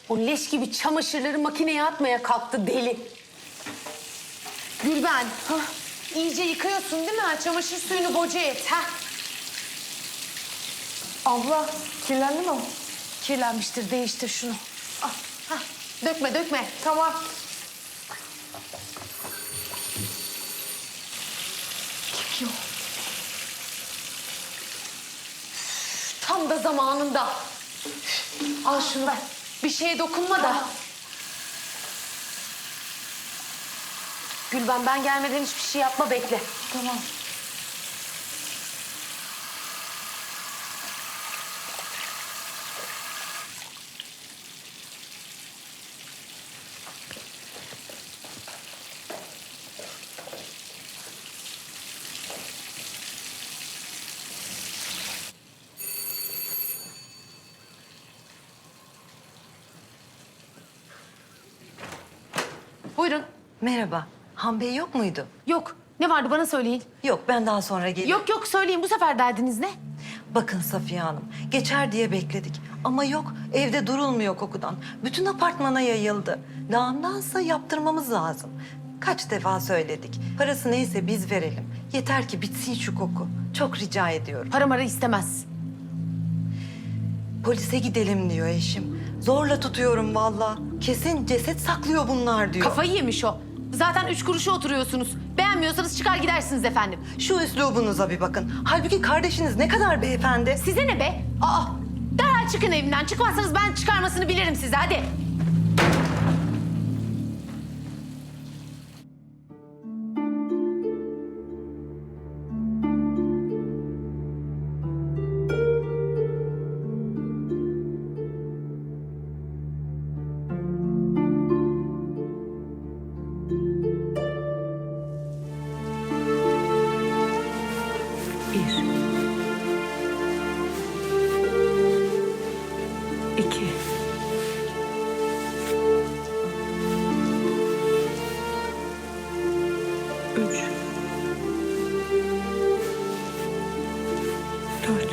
O leş gibi çamaşırları makineye atmaya kalktı deli. Gülben, iyice yıkıyorsun değil mi? Çamaşır suyunu boca et. Abla kirlendi mi? Kirlenmiştir, değiştir şunu. Al, dökme, dökme. Tamam. Yok. Tam da zamanında. Al şunu ver. Bir şeye dokunma da. Gülben, ben gelmeden hiçbir şey yapma, bekle. Tamam. Buyurun. Merhaba. Han Bey yok muydu? Yok. Ne vardı bana söyleyin. Yok, ben daha sonra gelirim. Yok söyleyin. Bu sefer derdiniz ne? Bakın Safiye Hanım, geçer diye bekledik. Ama yok, evde durulmuyor kokudan. Bütün apartmana yayıldı. Lağımdansa yaptırmamız lazım. Kaç defa söyledik. Parası neyse biz verelim. Yeter ki bitsin şu koku. Çok rica ediyorum. Para mara istemez. Polise gidelim diyor eşim. Zorla tutuyorum vallahi. Kesin ceset saklıyor bunlar diyor. Kafayı yemiş o. Zaten 3 kuruşa oturuyorsunuz. Beğenmiyorsanız çıkar gidersiniz efendim. Şu üslubunuza bir bakın. Halbuki kardeşiniz ne kadar beyefendi. Size ne be? Derhal çıkın evimden. Çıkmazsanız ben çıkarmasını bilirim size. Hadi. Bir. İki. Üç. Dört.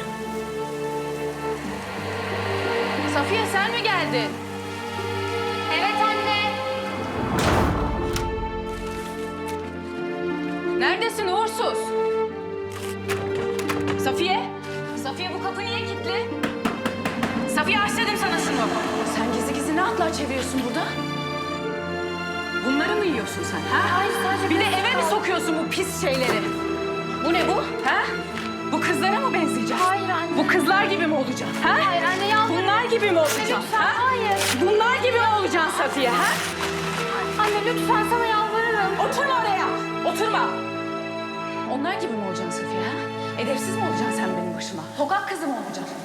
Safiye, sen mi geldin? Evet anne. Neredesin uğursuz? Safiye? Safiye, bu kapı niye kilitli? Safiye, aç dedim sana şunu. Sen gizli gizli ne atlar çeviriyorsun burada? Bunları mı yiyorsun sen? Ha? Hayır, sadece Bir de eve mi sokuyorsun bu pis şeyleri? Bu ne bu? Ha? Bu kızlara mı benzeyeceksin? Hayır anne. Bu kızlar gibi mi olacaksın? Ha? Hayır anne, yalvarırım. Bunlar gibi mi olacaksın? Lütfen, ha? hayır. Bunlar gibi mi olacaksın Safiye? Ha? Anne lütfen, sana yalvarırım. Oturma oraya. Oturma. Onlar gibi mi olacaksın Safiye? Ha? Edepsiz mi olacaksın sen benim başıma? Sokak kızı mı olacaksın?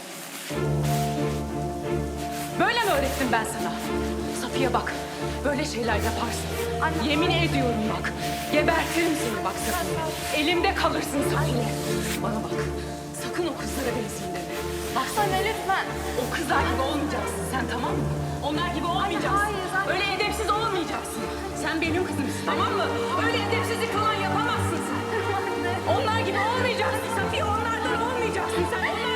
Böyle mi öğrettim ben sana? Safiye bak, böyle şeyler yaparsın. Anne. Yemin ediyorum bak, gebertirim seni bak Safiye. Elimde kalırsın Safiye. Bana bak, sakın o kızlara benzeyin deme. Baksana lütfen. O kızlar gibi olmayacaksın sen, tamam mı? Onlar gibi olmayacaksın. hayır, anne. Öyle edepsiz olmayacaksın. Sen benim kızımsın, tamam mı? Öyle edepsizlik falan yapamazsın sen. Onlar gibi olmayacaksın Safiye, onlardan olmayacaksın sen.